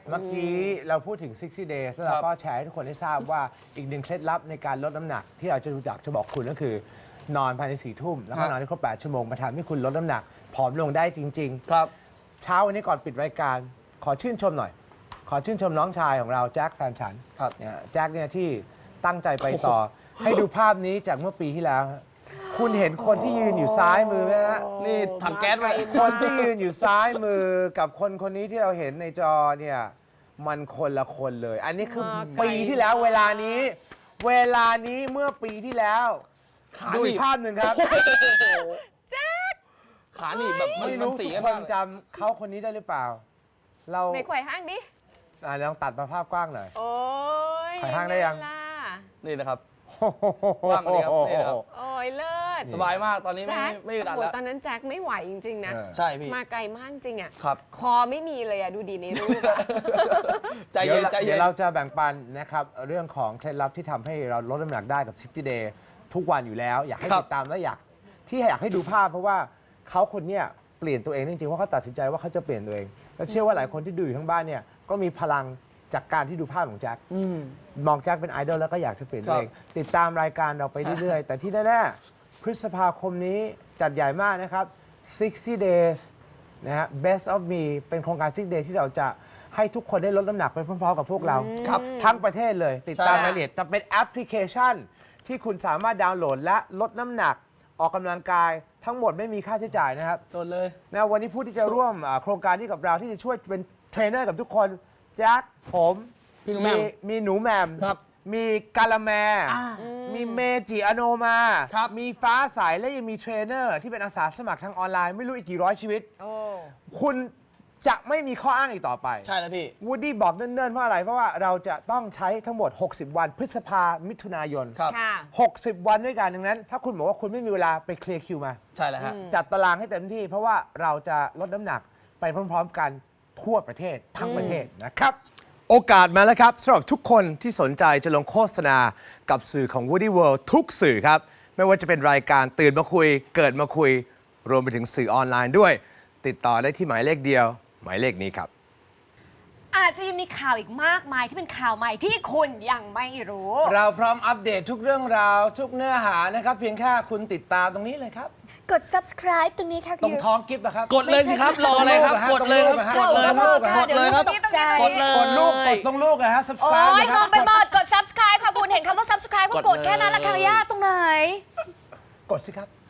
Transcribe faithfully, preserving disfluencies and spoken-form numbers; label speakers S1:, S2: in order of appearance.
S1: เมื่อกี้เราพูดถึง ซิกซ์ตี้ days แล้วเราก็แชร์ให้ทุกคนได้ทราบว่าอีกหนึ่งเคล็ดลับในการลดน้ำหนักที่เราจะรู้จักจะบอกคุณก็คือนอนภายในสี่ทุ่มแล้วก็นอนให้ครบแปดชั่วโมงมาทำให้คุณลดน้ำหนักผอมลงได้จริงๆ
S2: ครับ
S1: เช้าวันนี้ก่อนปิดรายการขอชื่นชมหน่อยขอชื่นชมน้องชายของเราแจ็คแฟนฉันเนี่ยแจ็คเนี่ยที่ตั้งใจไปต่อให้ดูภาพนี้จากเมื่อปีที่แล้วคุณเห็นคนที่ยืนอยู่ซ้ายมือไหมฮะ
S2: นี่ถังแก๊สไป
S1: คนที่ยืนอยู่ซ้ายมือกับคนคนนี้ที่เราเห็นในจอเนี่ยมันคนละคนเลย อันนี้คือปีที่แล้วเวลานี้ เวลานี้เมื่อปีที่แล้วดูอีกภาพหนึ่งครับ
S3: แจ็ค
S2: ขาหนีแบบ
S1: ไม่รู้ทุกคนจำเขาคนนี้ได้หรือเปล่าเรา
S3: ในไขว่ห้างดิ
S1: อ่าลองตัดมาภาพกว้างหน่อย
S3: โอ้ย
S1: ไขว่ห้างได้ยัง
S2: นี่นะครับว่างเลยครับนี่นะครับ
S3: โอ้ยเลิศ
S2: สบายมากตอนนี้ไม่ไม่อึดอัดแล้ว
S3: ตอนนั้นแจ็คไม่ไหวจริงๆนะ
S2: ใช่พี่
S3: มาไกลมากจริงอ่ะ
S2: ครับ
S3: คอไม่มีเลยอ่ะดูดีในรูป
S2: ใจเย็นใจเย็น
S1: เดี๋ยวเราจะแบ่งปันนะครับเรื่องของเคล็ดลับที่ทำให้เราลดน้ำหนักได้กับ ซิกซ์ตี้ day ทุกวันอยู่แล้วอยากให้ติดตามและอยากที่อยากให้ดูภาพเพราะว่าเขาคนเนี้ยเปลี่ยนตัวเองจริงๆเพราะเขาตัดสินใจว่าเขาจะเปลี่ยนตัวเองและเชื่อว่าหลายคนที่ดูอยู่ทั้งบ้านเนี่ยก็มีพลังจากการที่ดูภาพของแจ็คมองแจ็คเป็นไอดอลแล้วก็อยากจะเปลี่ยนตัวเองติดตามรายการเราไปเรื่อยๆแต่ที่แน่ๆพฤษภาคมนี้จัดใหญ่มากนะครับ ซิกซ์ตี้ days นะฮะ Best of Me เป็นโครงการ ซิกซ์ตี้ days ที่เราจะให้ทุกคนได้ลดน้ำหนักไปพร้อมๆกับพวกเราทั้งประเทศเลยติดตามรายละเอียดจะเป็นแอปพลิเคชันที่คุณสามารถดาวน์โหลดและลดน้ำหนักออกกำลังกายทั้งหมดไม่มีค่าใช้จ่ายนะครับ
S2: โดนเลย
S1: นะวันนี้ผู้ที่จะร่วมโครงการนี้กับเราที่จะช่วยเป็นเทรนเนอร์กับทุกคนแจ็คผมมีมีหนูแหม่มมีกาละแมมีเมจิอโนมามีฟ้าใสและยังมีเทรนเนอร์ที่เป็นอาสาสมัครทางออนไลน์ไม่รู้อีกกี่ร้อยชีวิตคุณจะไม่มีข้ออ้างอีกต่อไป
S2: ใช่แล้วพี่
S1: วูดดี้บอกเนิ่นๆเพราะอะไรเพราะว่าเราจะต้องใช้ทั้งหมดหกสิบวันพฤษภามิถุนายนหกสิบวันด้วยกันดังนั้นถ้าคุณบอกว่าคุณไม่มีเวลาไปเคลียร์คิวมา
S2: ใช่แล้วฮะ
S1: จัดตารางให้เต็มที่เพราะว่าเราจะลดน้ำหนักไปพร้อมๆกันทั่วประเทศทั้งประเทศนะครับโอกาสมาแล้วครับสำหรับทุกคนที่สนใจจะลงโฆษณากับสื่อของ Woody World ทุกสื่อครับไม่ว่าจะเป็นรายการตื่นมาคุยเกิดมาคุยรวมไปถึงสื่อออนไลน์ด้วยติดต่อได้ที่หมายเลขเดียวหมายเลขนี้ครับ
S4: อาจจะยังมีข่าวอีกมากมายที่เป็นข่าวใหม่ที่คุณยังไม่รู้
S1: เราพร้อมอัปเดตทุกเรื่องราวทุกเนื้อหานะครับเพียงแค่คุณติดตามตรงนี้เลยครับ
S4: กด subscribe ตรงนี้ค่ะ
S1: ตรงท้องกิฟต์นะครับ
S2: กดเลยสิครับรออะไรครับกดเลยครับกดเลยครับกดเลยครับ
S4: ตกใจ
S2: กดเลย
S1: กดลูกกดตรงลูกนะฮะ subscribe
S4: โอ้ยงงไปหมดกด subscribe ค่ะคุณเห็นคำว่า subscribe ก็กดแค่นั้นละค่ะย่าตรงไหน
S1: กดสิครับ